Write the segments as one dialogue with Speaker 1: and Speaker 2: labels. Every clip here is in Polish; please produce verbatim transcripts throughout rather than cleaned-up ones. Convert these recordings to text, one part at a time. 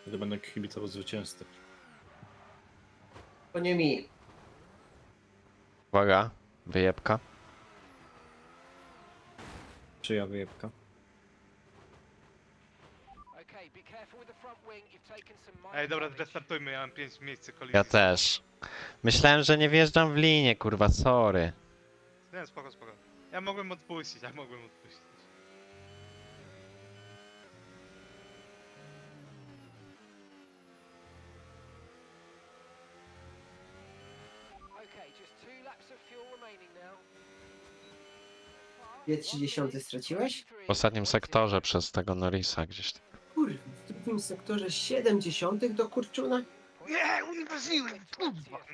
Speaker 1: Wtedy będę kibicował zwycięzcy.
Speaker 2: To nie mi.
Speaker 3: Uwaga, wyjebka.
Speaker 1: Czyja wyjebka?
Speaker 4: Ej, dobra, restartujmy, ja mam pięć miejsc kolizji.
Speaker 3: Ja też. Myślałem, że nie wjeżdżam w linię, kurwa, sorry.
Speaker 4: Nie, spoko, spoko. Ja mogłem odpuścić, ja mogłem odpuścić.
Speaker 2: Dwie trzydziestych straciłeś?
Speaker 3: W ostatnim sektorze przez tego Norrisa gdzieś tam.
Speaker 2: Kurwa, w drugim sektorze siedemdziesiątych do kurczuna?
Speaker 4: Nie, uniwersytet, kurwa, no.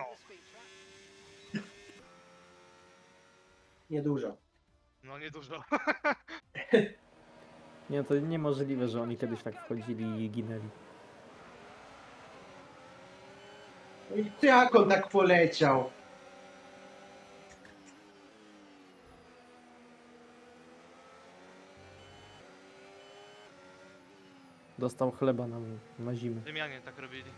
Speaker 2: Niedużo.
Speaker 4: No niedużo.
Speaker 5: Nie, to niemożliwe, że oni kiedyś tak wchodzili i ginęli.
Speaker 2: No i jak on tak poleciał?
Speaker 5: Dostał chleba na, na zimę.
Speaker 4: Rzymianie tak robili.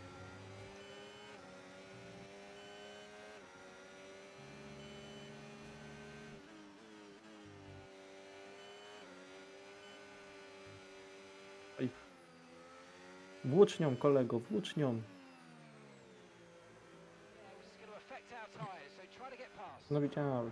Speaker 5: Włócznią, kolego, włócznią. No widziałem.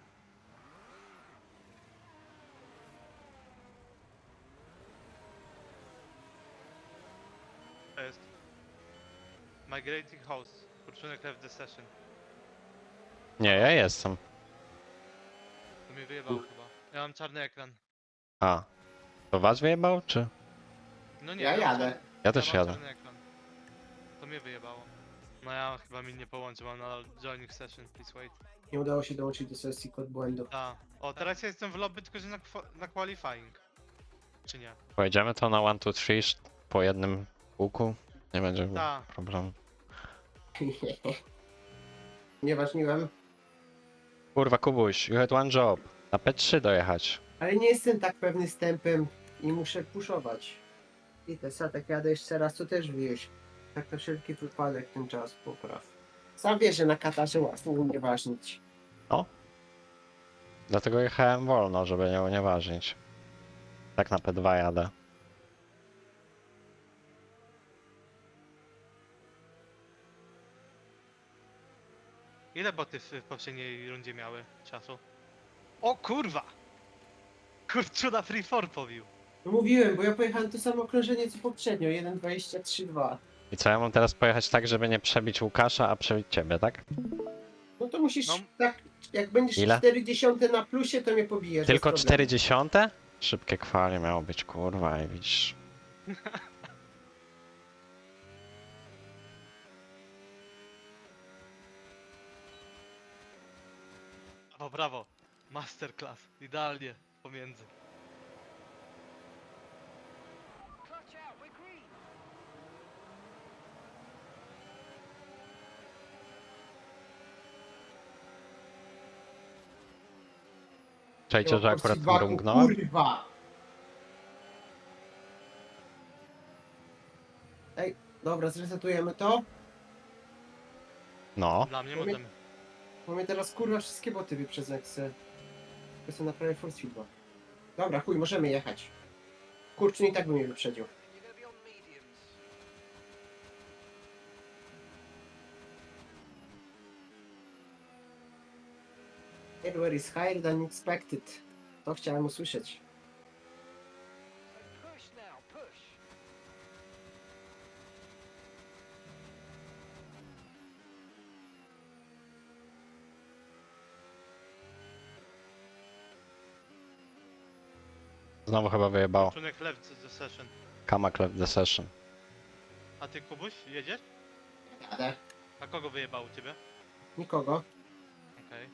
Speaker 4: To jest. Migrating House. Kurczunek left the session.
Speaker 3: Nie, ja jestem.
Speaker 4: To mnie wyjebało chyba. Ja mam czarny ekran.
Speaker 3: A. To was wyjebał, czy?
Speaker 4: No nie,
Speaker 2: Ja
Speaker 4: mam
Speaker 2: jadę.
Speaker 4: czarny-
Speaker 3: Ja też
Speaker 4: mam
Speaker 3: jadę.
Speaker 4: czarny ekran. To mnie wyjebało. No ja chyba mi nie połączę, mam na joining session, please wait.
Speaker 2: Nie udało się dołączyć do sesji kod błędu.
Speaker 4: A, o teraz ja jestem w lobby, tylko że na, kwa- na qualifying. Czy nie?
Speaker 3: Pojedziemy to na one, two, three po jednym kółku. Nie będzie
Speaker 4: Ta.
Speaker 3: problemu.
Speaker 2: Nie ważniłem.
Speaker 3: Kurwa, Kubuś, you had one job. Na P trzy dojechać.
Speaker 2: Ale nie jestem tak pewny z tempem i muszę puszować. I te satek jadę jeszcze raz, to też wieś. Tak na wszelki wypadek ten czas popraw. Sam wiesz, że na Katarze łatwo unieważnić.
Speaker 3: Dlatego jechałem wolno, żeby nie unieważnić. Tak na P dwa jadę.
Speaker 4: Ile boty w, w poprzedniej rundzie miały czasu? O kurwa! Kurczuna free four pobił.
Speaker 2: No mówiłem, bo ja pojechałem to samo okrążenie co poprzednio, jeden dwadzieścia trzy dwa.
Speaker 3: I co, ja mam teraz pojechać tak, żeby nie przebić Łukasza, a przebić ciebie, tak?
Speaker 2: No to musisz
Speaker 4: No.
Speaker 2: tak, jak będziesz
Speaker 3: Ile?
Speaker 2: czterdzieści na plusie, to mnie pobijesz.
Speaker 3: Tylko
Speaker 2: bez problemu.
Speaker 3: czterdzieści? Szybkie kwali miało być, kurwa, i widzisz.
Speaker 4: O brawo! Masterclass. Idealnie pomiędzy.
Speaker 3: Czajcie, że akurat
Speaker 2: Dwa,
Speaker 3: mrungnąłem?
Speaker 2: Kurwa! Ej, dobra, zresetujemy to.
Speaker 3: No.
Speaker 4: Dla mnie
Speaker 2: Powie-
Speaker 4: możemy.
Speaker 2: Bo mnie teraz kurwa wszystkie boty wyprzedzą, jak se... Jak są na prawie force feedback. Dobra, chuj, możemy jechać. Kurczę, i tak by mnie wyprzedził. Hardware is higher than expected. To chciałem usłyszeć.
Speaker 3: Znowu chyba wyjebało.
Speaker 4: Kurczunek left the session.
Speaker 3: Kamak left the session.
Speaker 4: A ty Kubuś, jedziesz?
Speaker 2: Jadę.
Speaker 4: A kogo wyjebało u ciebie?
Speaker 2: Nikogo.
Speaker 4: Okej.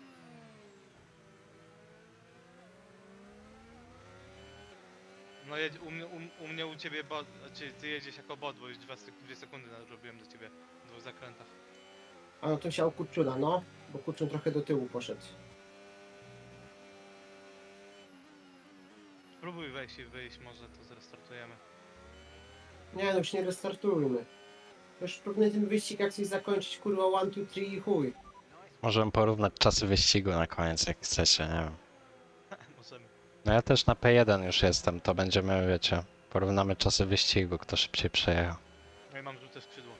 Speaker 4: No jedź, u, mnie- u, u mnie u ciebie bot, znaczy ty jedziesz jako bot, bo już dwa, sek- dwie sekundy robiłem do ciebie w dwóch zakrętach.
Speaker 2: A no to siał kurczuna, no. Bo kurczun trochę do tyłu poszedł.
Speaker 4: Spróbuj wejść i wyjść, może to zrestartujemy.
Speaker 2: Nie no, już nie restartujmy. Już próbuję ten wyścig jak coś zakończyć, kurwa, one, two, three i chuj.
Speaker 3: Możemy porównać czasy wyścigu na koniec, jak chcecie, nie wiem.
Speaker 4: Możemy.
Speaker 3: No ja też na P jeden już jestem, to będziemy, wiecie, porównamy czasy wyścigu, kto szybciej przejechał.
Speaker 4: No i mam żółte skrzydło.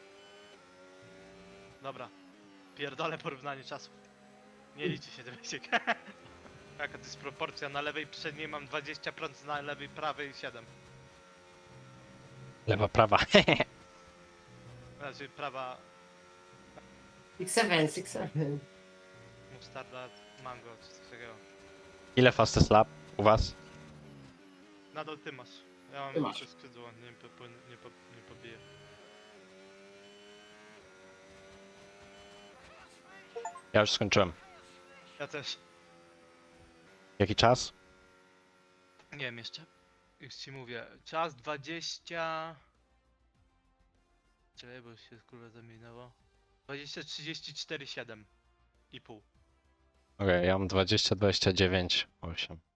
Speaker 4: Dobra. Pierdolę porównanie czasów. Nie liczy się ten wyścig. Jaka to jest proporcja? Na lewej przedniej mam dwadzieścia procent, na lewej prawej siedem.
Speaker 3: Lewa, prawa.
Speaker 4: Znaczy prawa
Speaker 2: six seven, six seven.
Speaker 4: mustarda, mango, czy coś takiego.
Speaker 3: Ile fastest lap u was?
Speaker 4: Nadal ty masz. Ja mam
Speaker 2: Ty masz.
Speaker 4: żółte skrzydło, nie, po, po, nie, po, nie pobiję.
Speaker 3: Ja już skończyłem.
Speaker 4: Ja też.
Speaker 3: Jaki czas?
Speaker 4: Nie wiem jeszcze. Już ci mówię. Czas dwadzieścia... Czekaj, bo się kurwa zamieniło. dwadzieścia trzydzieści cztery siedem i pół.
Speaker 3: Okej, ja mam dwadzieścia, dwadzieścia dziewięć, osiem.